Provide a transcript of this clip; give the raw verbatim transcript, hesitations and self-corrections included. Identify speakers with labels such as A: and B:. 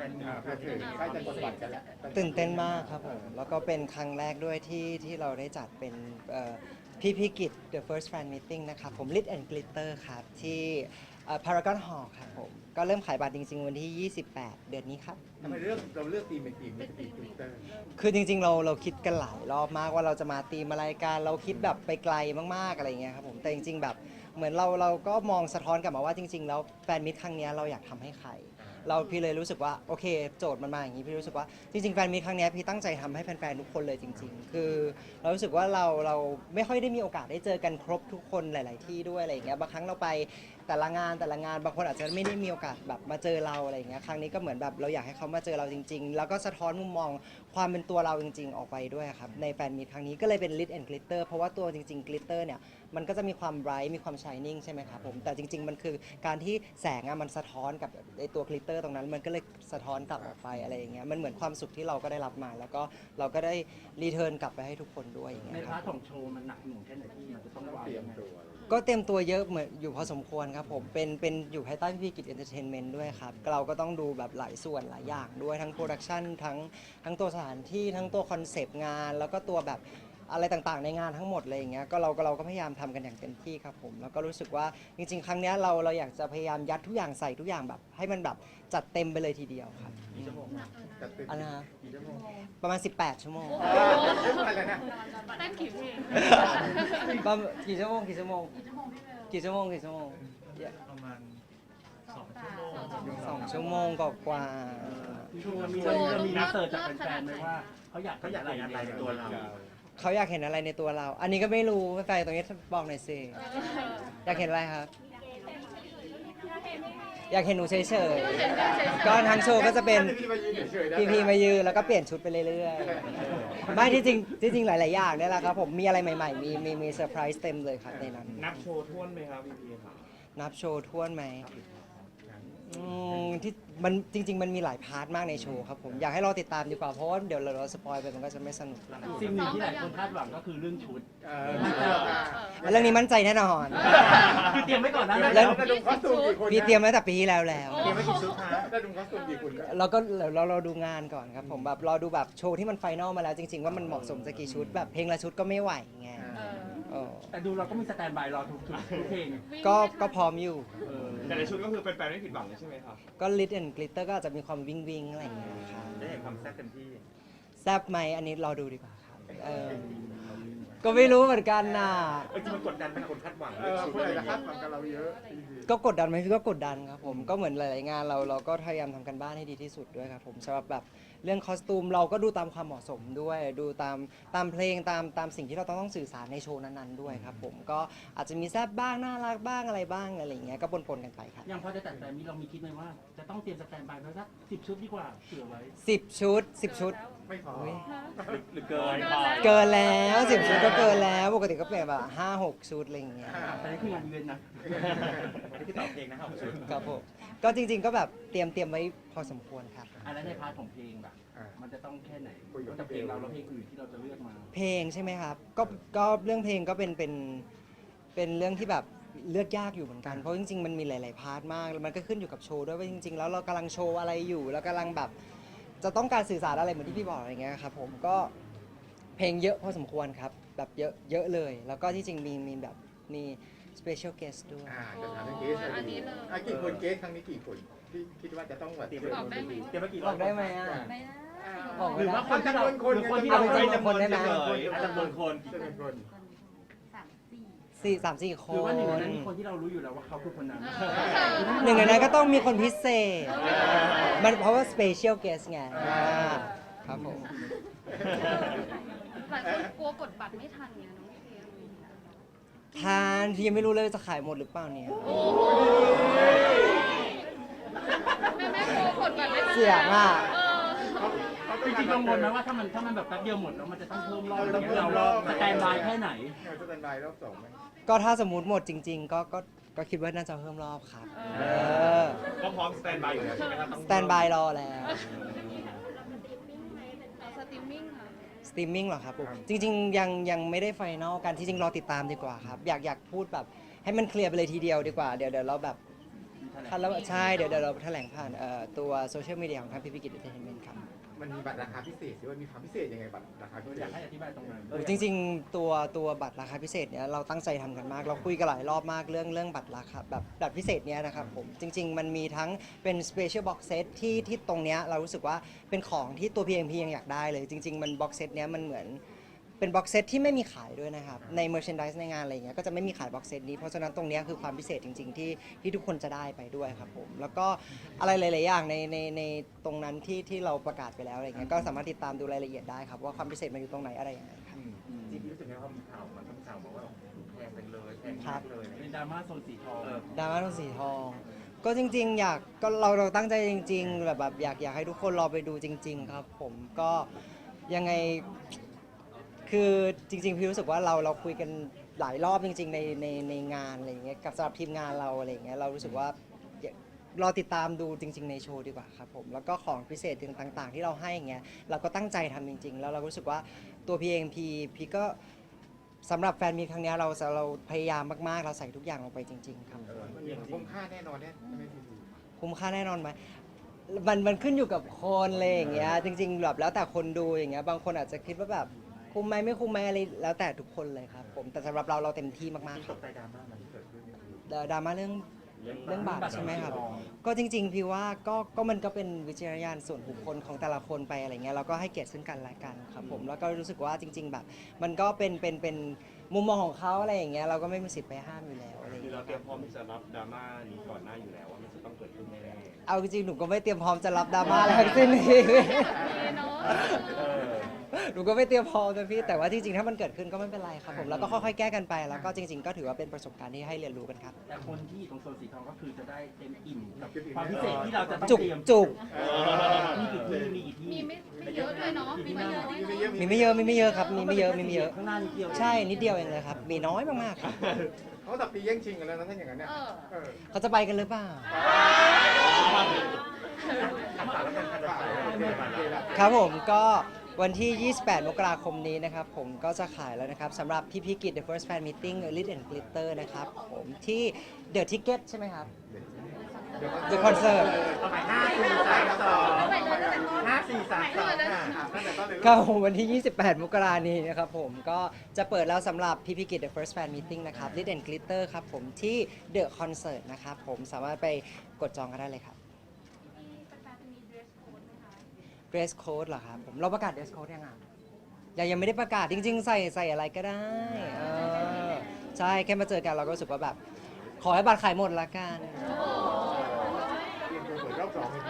A: นมีเพื่อถึงใกล้จะกดบัตรกันแล้ว
B: ตื่นเต้นมากครับผมแล้วก็เป็นครั้งแรกด้วยที่ที่เราได้จัดเป็นพี่พิกิจ The First Fan Meeting นะครับผม Lit and Glitter ครับที่พารากอนฮอลล์ครับผมก็เริ่มขายบัตรจริงๆวันที่ ยี่สิบแปด เดือนนี้ครับ
A: ทำไมเลือกเราเลือกทีมเป็นทีมไม่ใช่ทีมทวิตเตอร์
B: คือจริงๆเราเราคิดกันหลายรอบมากว่าเราจะมาตีมอะไรกันเราคิดแบบไปไกลมากๆอะไรเงี้ยครับผมแต่จริงๆแบบเหมือนเราเราก็มองสะท้อนกลับมาว่าจริงๆแล้วแฟนมิตรครั้งนี้เราอยากทำให้ใครเราพี่เลยรู้สึกว่าโอเคโจทย์มันมาอย่างนี้พี่รู้สึกว่าจริงๆแฟนมิตรครั้งนี้พี่ตั้งใจทำให้แฟนๆทุกคนเลยจริงๆคือเรารู้สึกว่าเราเราไม่ค่อยได้มีโอกาสได้เจอกันครบทุกคนหลายๆที่ด้วยอะไรอย่างเงี้ยบางครั้งเราไปแต่ละงานแต่ละงานบางคนอาจจะไม่ได้มีโอกาสแบบมาเจอเราอะไรอย่างเงี้ยครั้งนี้ก็เหมือนแบบเราอยากให้เขามาเจอเราจริงๆแล้วก็สะท้อนมุมมองความเป็นตัวเราจริงๆออกไปด้วยครับในแฟนมิตรครั้งนี้ก็เลยเป็น Lit and Glitter เพราะว่าตัวจริงๆ Glitter เนี่ยมันก็จะมีความไบรท์มีความ Shining ใช่ไหมครับผมแต่จริงๆมันคือการที่แสงอะมันสะท้อนกับไอตัว Glitter ตรงนั้นมันก็เลยสะท้อนกลับออกไปอะไรอย่างเงี้ยมันเหมือนความสุขที่เราก็ได้รับมาแล้วก็เราก็ได้รีเทิร์นกลับไปให้ทุกคนด้วยอย่างเงี้ย
C: ในพาร์ทของโชว์มันหนักหน่วงแค่ไหนที่มันจะต้องวาง
A: เตรียมตัว
B: ก็เตรียมตัวเยอะเหมือนอยู่พอสมควรครับผมเป็นเป็นอยู่ภายใต้พี่พีกิจเอนเตอร์เทนเมนต์ด้วยครับเราก็ต้องดูแบบหลายส่วนหลายอย่างด้วยทั้งโปรดักชันทั้งทั้งตัวสถานที่ทั้งตัวคอนเซปต์งานแล้วก็ตัวแบบอะไรต่างๆในงานทั้งหมดเลยอย่างเงี้ยก็เราก็เราก็พยายามทำกันอย่างเต็มที่ครับผมแล้วก็รู้สึกว่าจริงๆ ครั้งนี้เราเราอยากจะพยายามยัดทุกอย่างใส่ทุกอย่างแบบให้มันแบบจัดเต็มไปเลยทีเดียวครับอันนะประมาณสิบแปดชั่วโมง
D: เต้นกี่เพลง
B: ประมาณกี่ชั่วโมงกี่ชั่วโมงกี่ชั่วโมงกี่ชั่วโมง
E: ประมาณสองชั่วโมง
B: สองชั่วโมงกว่า
C: โชว์มีวันนี้เรามีรีเสิร์ชจากแฟนๆไหมว่าเขาอยากเขาอยากอะไรในตัวเรา
B: เขาอยากเห็นอะไรในตัวเราอันนี้ก็ไม่รู้แฟนๆตรงนี้บอกหน่อยสิอยากเห็นอะไรครับอยากเห็นหนูเฉยๆก็ทางโชว์ก็จะเป็นพีพีมายืนแล้วก็เปลี่ยนชุดไปเรื่อยๆไม่ที่จริงที่จริงหลายๆอย่างเนี่ยแหละครับผมมีอะไรใหม่ๆมีมีมีเซอร์ไพรส์เต็มเลยครับในนั้น
E: นับโชว์ท่วนไหมครับพี่พีครับ
B: นับโชว์ท่วนไหมที่มันจริงๆมันมีหลายพาร์ทมากในโชว์ครับผมอยากให้เราติดตามดีกว่าเพราะว่าเดี๋ยวเราสปอยไปมันก็จะไม่สนุก
C: สิ่งหนึ่งที่หลายคนคาดหวังก็คือเรื่องชุด
B: เรื่องนี้มั่นใจแน่นอน
C: คือเตรียมไว้ก่อนนะ
B: แล้วพี่เตรียมไว้แต่ปีที่แล้วแล้ว
A: เตรียมไว้กี่ชุดคะได้ดูคอสตูมกี่คุณ
B: เราก็เราเราดูงานก่อนครับผมแบบรอดูแบบโชว์ที่มันไฟนอลมาแล้วจริงๆว่ามันเหมาะสมจะกี่ชุดแบบเพลงละชุดก็ไม่ไหวไง
C: แต่ดูเราก็มีสแตนบายรอทุกทุกเพลง
B: ก็ก็พร้อมอยู่
E: แต่ในชุดก็คือเป็นแฟนไม่ผิดหวังเลยใช่ไหมครับ
B: ก็ Lit and Glitter ก็อาจจะมีความวิงวิงอะไรอย่างเงี้ยครับ
E: ได้เห็นความแซ่บเต็มที่
B: แซ่บไหมอันนี้รอดูดีกว่าครับก็ไม่รู้เหมือนกันน่ะ
E: จริงมันกดดันเป็นคนคาดหวัง
A: เออคนอาจจะคาดหวังกับเราเยอะ
B: ก็กดดันไหมพี่ก็กดดันครับผมก็เหมือนหลายๆงานเราเราก็พยายามทำกันบ้านให้ดีที่สุดด้วยครับผมสำหรับแบบเรื่องคอสตูมเราก็ดูตามความเหมาะสมด้วยดูตามตามเพลงตามตามสิ่งที่เราต้องต้องสื่อสารในโชว์นั้นๆด้วยครับผมก็อาจจะมีแซ่บบ้างน่ารักบ้างอะไรบ้างอะไรอย่างเงี้ยก็ปนๆกันไปครับ
C: ยังพอจะแต่แต่มีเรามีคิดไหมว่าจะต้องเตรียมสแตนบายไว้สักสิบชุดดีกว่าเผื่อไว้
B: สิบชุดสิบชุด
A: ไม่พอ
E: หรือเกิน
B: เกินแล้วสิบชุดก็เกินแล้วปกติก็เปลี่ยนแบบห้าหกชุดอะไรอย่างเงี้ย
C: แต่นี่คืองานอีเวนต์นะ
E: นี่คือตอบเพลงนะครับ
B: ครับผมก็จริงๆก็แบบเตรียมเตรียมไว้พอสมควรครับ
C: อันนั้นในพาร์ทของเพลงแบบมันจะต้องแค่ไหนนอกจากเพลงเราแล้วเพลงอื่นที่เราจะเลือกมา
B: เพลงใช่ไหมครับก็ก็เรื่องเพลงก็เป็นเป็นเป็นเรื่องที่แบบเลือกยากอยู่เหมือนกันเพราะจริงๆมันมีหลายๆพาร์ทมากแล้วมันก็ขึ้นอยู่กับโชว์ด้วยว่าจริงๆแล้วเรากำลังโชว์อะไรอยู่แล้วกำลังแบบจะต้องการสื่อสารอะไรเหมือนที่พี่บอกอะไรเงี้ยครับผมก็เพลงเยอะพอสมควรครับแบบเยอะเยอะเลยแล้วก็ที่จริงมีมีแบบมี special guest ด้วย
A: อ่าจะถามเรื่องเกสอันนี้เลยอ่ะกี่คนเกสครั้งนี้กี่คนที่คิดว่าจะต้องแบบเตรียม
D: บอกได้ไหม
A: เตรียมกี่
B: บอกได้ไหมอ่ะ
C: หรือว่าคนที่เราหรือคนที่เรา
B: จำนวนได้ไหม
E: จำนวนคน
A: จำนวนคน
B: สี่สามสี่คน
C: หรือว่าหนึ่งในนั้นมีคนที่เรารู้อยู่แล้วว่าเขาคือคนนั้น
B: หนึ่งในนั้นก็ต้องมีคนพิเศษมันเพราะว่า special guest ไงครับผม
D: หลายคนกลัวกดบัตรไม่ทันเนี่ยน้องเพียง
B: ทานที่ยังไม่รู้เลยจะขายหมดหรือเปล่าเนี่ย
D: แม่แม่กลัวกดบัตรไม่ทัน
B: เสียงอ่ะ
C: จริงๆกังวลไหมว่าถ้ามันถ้ามันแบบแป๊บเดียวหมดแล้วมันจะต้องเพิ่มรอบอะไรเงี้ยเราสแตนบายแค่ไหน
A: สแตนบายรอบสองไหม
B: ก็ถ้าสมมติหมดจริงๆก็ก็ก็คิดว่าน่าจะเพิ่มรอบครับ
E: ก็พร้อมสแตนบายอยู่แล้วใช่ไหมครับ
B: สแตนบายรอแล้ว
D: สตรีมมิ่งค่ะ
B: สตรีมมิ่งเหรอครับจริงๆยังยังไม่ได้ไฟนอลกันที่จริงรอติดตามดีกว่าครับอยากอยากพูดแบบให้มันเคลียร์ไปเลยทีเดียวดีกว่าเดี๋ยวเดี๋ยวเราแบบคันแล้วใช่เดี๋ยวเดี๋ยวเราแถลงผ่านเอ่อตัวโซเชียลมีเดียของทางพีพีกิจเอนเตอร์เทนเมนต์ครับ
A: มันมีบัตรราคาพิเศษด้วยมีความพิเศษยังไงบัตรราคาพิเศ
C: อยา
A: ษ
C: กให้อธิบายตรงนั้น
B: โอ้จริงๆตัวตัวบัตรราคาพิเศษเนี่ยเราตั้งใจทำกันมากเราคุยกันหลายรอบมากเรื่องเรื่องบัตรราคาแบบบัตรพิเศษเนี้ยนะครับผมจริง ๆ มันมีทั้งเป็น special box set ที่ที่ตรงเนี้ยเรารู้สึกว่าเป็นของที่ตัว พี เอ็ม พี ยังอยากได้เลยจริง ๆ มัน box set เนี้ยมันเหมือนเป็น box set ที่ไม่มีขายด้วยนะครับใน merchandise ในงานอะไรเงี้ยก็จะไม่มีขาย box set นี้เพราะฉะนั้นตรงเนี้ยคือความพิเศษจริง ๆ ที่ที่ทุกคนจะได้ไปด้วยครับผมแล้วก็อะไรหลายๆอย่างในในในตรงนั้นที่ที่เราประกาศไปแล้วอะไรเงี้ยก็สามารถติดตามดูรายละเอียดได้ครับว่าความพิเศษมันอยู่ตรงไหนอะไรยังไงครับ
E: จริงๆรู้สึกไงว่ามีข่าวมันต้องข่าวบอกว่าแพงไปเลยแพงมากเลย
C: เป็นดราม่าโซนสีทอง
B: ดราม่าทองสีทอง ก็จริง ๆ อยากก็เราเราตั้งใจจริง ๆ แบบแบบอยากอยากให้ทุกคนรอไปดูจริง ๆ ครับ ผมก็ยังไงคือจริง ๆ พี่รู้สึกว่าเราเราคุยกันหลายรอบจริง ๆ ในในในงานอะไรอย่างเงี้ยกับสำหรับทีมงานเราอะไรอย่างเงี้ยเรารู้สึกว่า รอติดตามดูจริง ๆ ในโชว์ดีกว่าครับผมแล้วก็ของพิเศษต่างๆ ที่เราให้อย่างเงี้ยเราก็ตั้งใจทำจริง ๆ แล้วเรารู้สึกว่าตัวพีเองพีพีก็สำหรับแฟนมีตครั้งเนี้ยเราเราพยายามมากๆเราใส่ทุกอย่างลงไปจริง ๆ ครับ
A: เออมันมีคุ้มค่าแน่นอนเนี่ยไม่ดี
B: คุ้มค่าแน่นอนไหมมันมันขึ้นอยู่กับคนเลยอย่างเงี้ยจริงๆแบบแล้วแต่คนดูอย่างเงี้ยบางคนอาจจะคิดว่าแบบคุ้มไหมไม่คุ้มไหมอะไรแล้วแต่ทุกคนเลยครับผมแต่สำหรับเราเราเต็มที่มากๆค
E: ต
B: รับ
E: กใจดราม่ามันที่เกิดขึ้นเนี่ยคือ
B: เอ่อดราม่าเรื่อง
E: เรื่อง
B: เรื่องบาปใช่ไหมครับ ก็จริงๆพี่ว่าก็ก็มันก็เป็นวิจารณญาณส่วนบุคคลของแต่ละคนไปอะไรเงี้ยเราก็ให้เกียรติซึ่งกันและกันครับผมแล้วก็รู้สึกว่าจริง ๆ แบบ มันก็เป็นเป็นเป็นมุมมองของเขาอะไรอย่างเงี้ยเราก็ไม่มีสิทธิ์ไปห้ามอยู่แล้วอะไรอย่าง
E: คือ
B: เงี้
E: เรา
B: ย
E: เตรียมพร้อมที่จะรับดราม่านี้ก่อนหน้าอยู่แล้วว่ามันจะต้องเกิดขึ้นแน่
B: เอาจริงๆหนูก็ไม่เตรียมพร้อมจะรับดราม่าอะไรทั้งสิ้น
D: ดีเนาะ
E: ๆเออ
B: หนูก็ไม่เตรียมพร้อมนะพี่แต่ว่าจริงๆถ้ามันเกิดขึ้นก็ไม่เป็นไรครับผมแล้วก็ค่อยๆแก้กันไปแล้วก็จริง ๆ ก็ถือว่าเป็นประสบการณ์ที่ให้เรียนรู้กันครับ
C: แต่คนที่อยู่ตรงโซนสีทองก็คือจะได้เต็มอิ่มกับความพิเศษที่เราจะต้อง
B: จุก
C: เตรียม
B: จุก
C: มีกี่ที่มีกี่ที่
D: มีไม่ไม่เยอะด้วยเนาะมีไม่เยอะด้วยเนาะ
B: มีไม่เยอะมีไม่เยอะครับมีไม่เยอะมีไม่เยอะ
C: ข้างหน้านิดเดียว
B: ใช่นิดเดียวเองเลยครับมีน้อยมากๆครับ
A: เขาตับปีแย่งชิงกันแล้วนะถ้าอย่างนั้นเนี่ย
D: เออ
A: เออ
B: เขาจะไปกันหรือเปล่า ครับผมก็วันที่ ยี่สิบแปด มกราคมนี้นะครับผมก็จะขายแล้วนะครับสำหรับพี่พิกิจ The First Fan Meeting Lit and Glitter นะครับผมที่ The Ticket ใช่ไหมครับ The Concert
E: ห้าสี่สามสองห้าสี่สามสอง
B: ก็วันที่ ยี่สิบแปด มกรานี้นะครับผมก็จะเปิดแล้วสำหรับพี่พิกิจ The First Fan Meeting นะครับ Lit and Glitter ครับผมที่ The Concert นะครับผมสามารถไปกดจองกันได้เลยครับ dress code เหรอครับผมเราประกาศ dress code ยังอ่ะยังยังไม่ได้ประกาศจริง ๆ ใส่ใส่อะไรก็ได้เออใช่แค่มาเจอกันเราก็รู้สึกว่าแบบ ขอให้บัตรขายหมดละกัน
A: เตรียมตัวเปิดรอบสองเลย